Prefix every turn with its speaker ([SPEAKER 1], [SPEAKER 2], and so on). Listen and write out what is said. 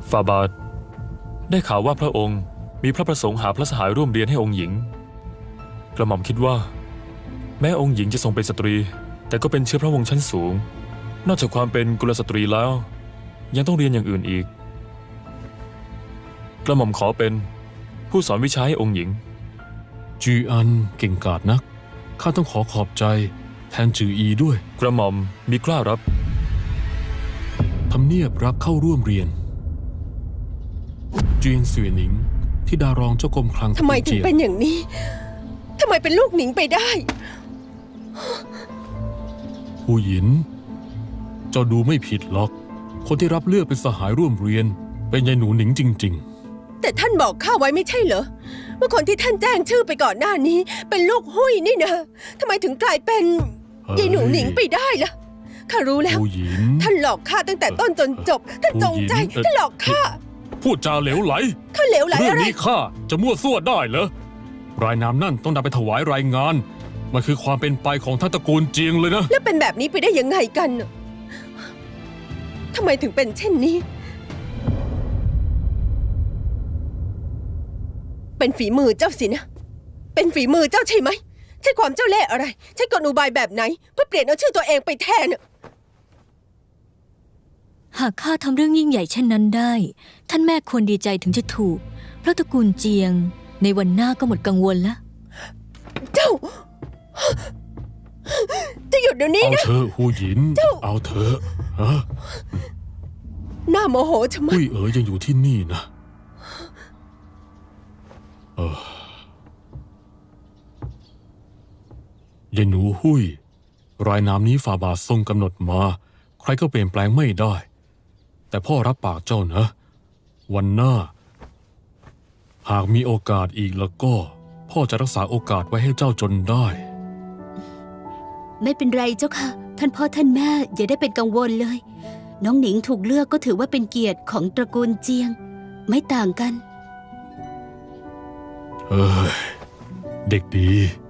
[SPEAKER 1] ฝ่าบาทได้ข่าวว่าพระองค์มีพระประสงค์หาพระสหายร่วมเรียนให้องค์หญิงกระหม่อมคิดว่าแม้องค์หญิงจะทรงเป็นสตรีแต่ก็เป็นเชื้อพระวงศ์ชั้นสูงนอกจากความเป็นกุลสตรีแล้วยังต้องเรียนอย่างอื่นอีกกระหม่อมขอเป็นผู้สอนวิชาให้องค์หญิง
[SPEAKER 2] จืออันเก่งกาจนักข้าต้องขอบใจแทนจืออีด้วย
[SPEAKER 1] กระหม่อมมีกล้ารับ
[SPEAKER 2] ทำเนียบรับเข้าร่วมเรียนเจียงเสวียหนิงที่ดารองเจ้ากรมคลัง
[SPEAKER 3] ทำไมถึงเป็นอย่างนี้ทำไมเป็นลูกหนิงไปได้
[SPEAKER 2] หูหยินเจ้าดูไม่ผิดหรอกคนที่รับเลือกเป็นสหายร่วมเรียนเป็นยายหนูหนิงจริง
[SPEAKER 3] ๆแต่ท่านบอกข้าไว้ไม่ใช่เหรอว่าคนที่ท่านแจ้งชื่อไปก่อนหน้านี้เป็นลูกหุ้ยนี่นะทำไมถึงกลายเป็นยายหนูหนิงไปได้ล่ะข้ารู้แล้วท่านหลอกข้าตั้งแต่ต้นจนจบท่านจงใจท่านหลอกข้า
[SPEAKER 2] พูดจาเหลวไหล
[SPEAKER 3] ข้าเหลวไหลอะไร
[SPEAKER 2] เรื่องนี้ข้าจะมั่วซั่วได้เหรอรายนามนั่นต้องนำไปถวายรายงานมันคือความเป็นไปของท่านตระกูลเจียงเลยนะ
[SPEAKER 3] แล้วเป็นแบบนี้ไปได้ยังไงกันทำไมถึงเป็นเช่นนี้เป็นฝีมือเจ้าสินะเป็นฝีมือเจ้าใช่ไหมใช่ความเจ้าเล่ห์อะไรใช่กลอุบายแบบไหนเพื่อเปลี่ยนเอาชื่อตัวเองไปแทน
[SPEAKER 4] หากข้าทำเรื่องยิ่งใหญ่เช่นนั้นได้ท่านแม่ควรดีใจถึงจะถูกเพราะตระกูลเจียงในวันหน้าก็หมดกังวลแล้ว
[SPEAKER 3] เจ้าจะหยุดเดี๋ยวนี้นะ
[SPEAKER 2] เอาเธอหูหยินเอาเธอฮะ
[SPEAKER 3] หน้าโมโหชะมัด
[SPEAKER 2] หุ้ยยังอยู่ที่นี่นะยายหนูหุ้ยรายนามนี้ฝ่าบาททรงกำหนดมาใครก็เปลี่ยนแปลงไม่ได้แต่พ่อรับปากเจ้านะวันหน้าหากมีโอกาสอีกแล้วก็พ่อจะรักษาโอกาสไว้ให้เจ้าจนได้
[SPEAKER 5] ไม่เป็นไรเจ้าค่ะท่านพ่อท่านแม่อย่าได้เป็นกังวลเลยน้องหนิงถูกเลือกก็ถือว่าเป็นเกียรติของตระกูลเจียงไม่ต่างกัน
[SPEAKER 2] เด็กดี